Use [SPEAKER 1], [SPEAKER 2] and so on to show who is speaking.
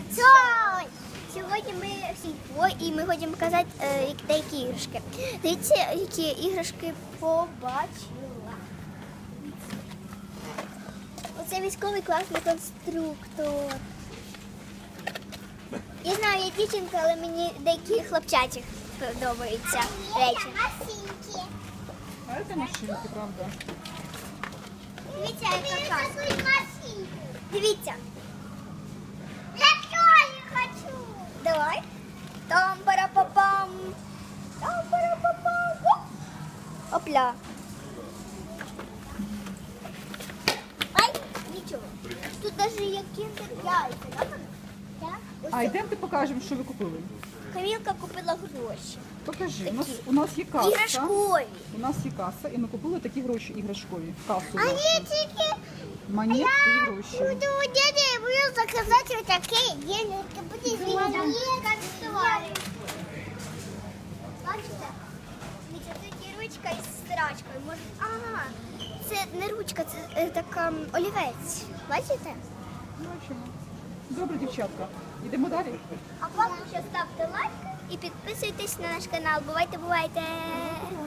[SPEAKER 1] Цой! Сьогодні ми в сільпо і ми хочемо показати деякі іграшки. Дивіться, які іграшки побачила. Оце військовий класний конструктор. Я знаю, я дівчинка, але мені деякі хлопчаті подобаються речі.
[SPEAKER 2] А это машинки, правда?
[SPEAKER 1] Дивіться, яка казка. Дивіться.
[SPEAKER 3] Я тоже хочу.
[SPEAKER 1] Давай. Там-пара-па-пам. Там-пара-па-пам. Опля. Ай, нічого. Тут навіть є кіндер яйця, да, мама? Так.
[SPEAKER 2] А йдемте покажемо, що ви купили.
[SPEAKER 1] Камілка купила гроші.
[SPEAKER 2] Покажи.
[SPEAKER 1] Такі.
[SPEAKER 2] У нас є каса.
[SPEAKER 1] Іграшкові.
[SPEAKER 2] У нас є каса, і ми купили такі гроші іграшкові. Касу.
[SPEAKER 3] Они
[SPEAKER 2] нашу.
[SPEAKER 3] такие.
[SPEAKER 2] Монетки і гроші.
[SPEAKER 3] Буду у дяди, я буду заказать вот такие денежки. Будет
[SPEAKER 1] Бачите? Дивіться, тут є ручка із стирачкою. Може... Ага, це не ручка, це така олівець. Бачите?
[SPEAKER 2] Бачимо. Добре, дівчатка. Йдемо далі.
[SPEAKER 1] А поки що ставте лайк і підписуйтесь на наш канал. Бувайте, бувайте!